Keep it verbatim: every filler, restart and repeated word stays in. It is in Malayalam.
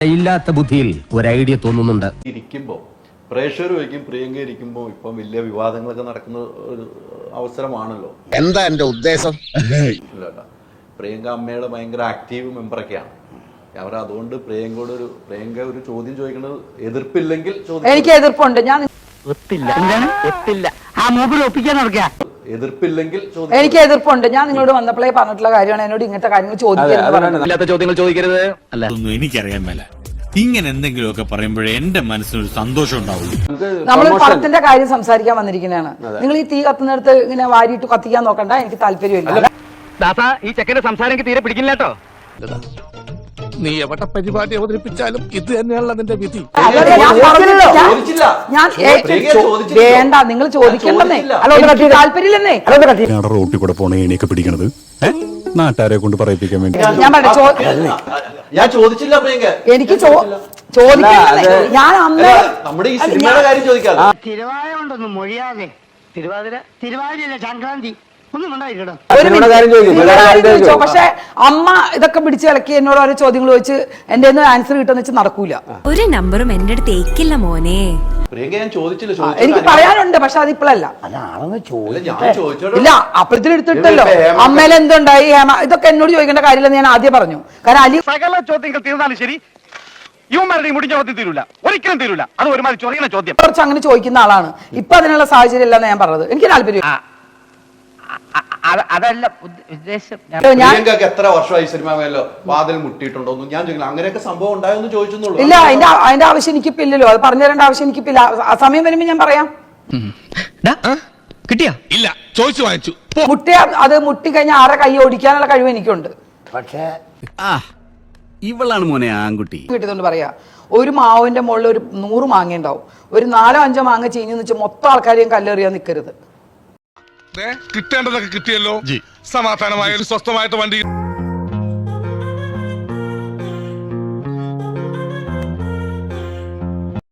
ഇല്ലാത്ത ബുദ്ധിയിൽ ഒരു ഐഡിയ തോന്നുന്നുണ്ട്. ഇരിക്കുമ്പോൾ പ്രേക്ഷകർ വയ്ക്കും പ്രിയങ്ക ഇരിക്കുമ്പോൾ ഇപ്പം വലിയ വിവാദങ്ങളൊക്കെ നടക്കുന്ന ഒരു അവസരമാണല്ലോ. എന്താ എന്റെ ഉദ്ദേശം? ഇല്ല, പ്രിയങ്ക അമ്മയുടെ ഭയങ്കര ആക്റ്റീവ് മെമ്പറൊക്കെയാണ് അവർ. അതുകൊണ്ട് പ്രിയങ്കയോട് ഒരു പ്രിയങ്ക ഒരു ചോദ്യം ചോദിക്കുന്നത് എതിർപ്പില്ലെങ്കിൽ എനിക്ക് എതിർപ്പുണ്ട്. ഞാൻ എതിർപ്പില്ലെങ്കിൽ എനിക്ക് എതിർപ്പുണ്ട്. ഞാൻ നിങ്ങളോട് വന്നപ്പോഴേ പറഞ്ഞിട്ടുള്ള കാര്യമാണ് എന്നോട് ഇങ്ങനത്തെ കാര്യങ്ങൾ ചോദിക്കരുത്. അല്ല, എനിക്കറിയാൻ മേല ഇങ്ങനെ എന്തെങ്കിലുമൊക്കെ പറയുമ്പോഴേ എന്റെ മനസ്സിനൊരു സന്തോഷം ഉണ്ടാവുള്ളൂ. നമ്മൾ പണത്തിന്റെ കാര്യം സംസാരിക്കാൻ വന്നിരിക്കുന്നതാണ്. നിങ്ങൾ ഈ തീ കത്തുന്നിടത്ത് ഇങ്ങനെ വാരിയിട്ട് കത്തിക്കാൻ നോക്കണ്ട, എനിക്ക് താല്പര്യമില്ല. ഈ ചെക്കന്റെ സംസാരം എനിക്ക് തീരെ പിടിക്കില്ല കേട്ടോ. നീ എവിടെ പരിപാടി അവതരിപ്പിച്ചാലും ഇത് തന്നെയാണല്ലോ നിന്റെ വിധി. ഞാൻ വേണ്ട, നിങ്ങൾ ചോദിക്കണ്ടെന്നേ. താല്പര്യമില്ലെന്നേ. റോട്ടിൽ കൂടെ പോണ എണിയൊക്കെ പിടിക്കണത് നാട്ടുകാരെ കൊണ്ട് പറയിപ്പിക്കാൻ വേണ്ടി. ഞാൻ ചോദിച്ചില്ല പ്രിയങ്ക, എനിക്ക് ചോദിക്കണ്ടെന്നേ. ഞാൻ അന്ന് നമ്മുടെ ഈ സിനിമയുടെ കാര്യം ചോദിക്കാം. തിരുവാതിര കൊണ്ടൊന്നും മൊഴിയാതെ തിരുവാതിര തിരുവാതിരയല്ല സംക്രാന്തി പക്ഷെ അമ്മ ഇതൊക്കെ പിടിച്ച് ഇളക്കി എന്നോട് ഓരോ ചോദ്യങ്ങൾ ചോദിച്ച് എന്റെ ആൻസർ കിട്ടുന്ന വെച്ച് നടക്കൂല. ഒരു നമ്പറും എന്റെ അടുത്ത് ഏക്കില്ല മോനെ. എനിക്ക് പറയാനുണ്ട്, പക്ഷെ അതിപ്പോഴല്ല. ഇല്ല, അപ്പഴത്തിന് എടുത്തിട്ടല്ലോ. അമ്മയിൽ എന്തുണ്ടായി, ഹേമ, ഇതൊക്കെ എന്നോട് ചോദിക്കേണ്ട കാര്യമില്ലെന്ന് ഞാൻ ആദ്യം പറഞ്ഞു. കാരണം അലി സകല ചോദ്യങ്ങൾ തീർന്നാലും ശരി, യുവമാരുടെ മുടിഞ്ഞ ചോദ്യം തീരൂല, ഒരിക്കലും തീരൂല. അത് ഒരുമാതിരി ചൊറിയുന്ന ചോദ്യം കുറച്ച് അങ്ങനെ ചോദിക്കുന്ന ആളാണ്. ഇപ്പൊ അതിനുള്ള സാഹചര്യം ഇല്ലെന്ന് ഞാൻ പറഞ്ഞത്. എനിക്ക് താല്പര്യം അതല്ല ഉദ്ദേശം. പ്രിയങ്കക്ക് എത്ര വർഷമായി സിനിമ മേലോ വാതിൽ മുട്ടിയിട്ടുണ്ടോ ഞാൻ ചോദിക്കില്ല. അങ്ങനെയൊക്കെ സംഭവം ഉണ്ടായെന്ന് ചോദിച്ചെന്നുള്ളൂ. ഇല്ല, അതിന്റെ അതിന്റെ ആവശ്യം എനിക്കിപ്പോ ഇല്ലല്ലോ. അത് പറഞ്ഞു തരേണ്ട ആവശ്യം എനിക്കിപ്പില്ല. ആ സമയം വരുമ്പോ ഞാൻ പറയാം. കിട്ടിയാ ഇല്ല, ചോദിച്ചു വാങ്ങിച്ചു. മുട്ടിയ അത് മുട്ടി കഴിഞ്ഞാൽ ആരെ കൈ ഓടിക്കാനുള്ള കഴിവ് എനിക്കുണ്ട്. പക്ഷേ ഇവളാണ് മോനെ ആൺകുട്ടി. കിട്ടിയതുകൊണ്ട് പറയാ, ഒരു മാവിന്റെ മുകളിൽ ഒരു നൂറ് മാങ്ങ ഉണ്ടാവും. ഒരു നാലോ അഞ്ചോ മാങ്ങ ചീഞ്ഞെന്ന് വെച്ചാൽ മൊത്തം ആൾക്കാരെയും കല്ലെറിയാൻ നിൽക്കരുത്. കിട്ടേണ്ടതൊക്കെ കിട്ടിയല്ലോ. സമാധാനമായ ഒരു സ്വസ്ഥമായിട്ട് വണ്ടി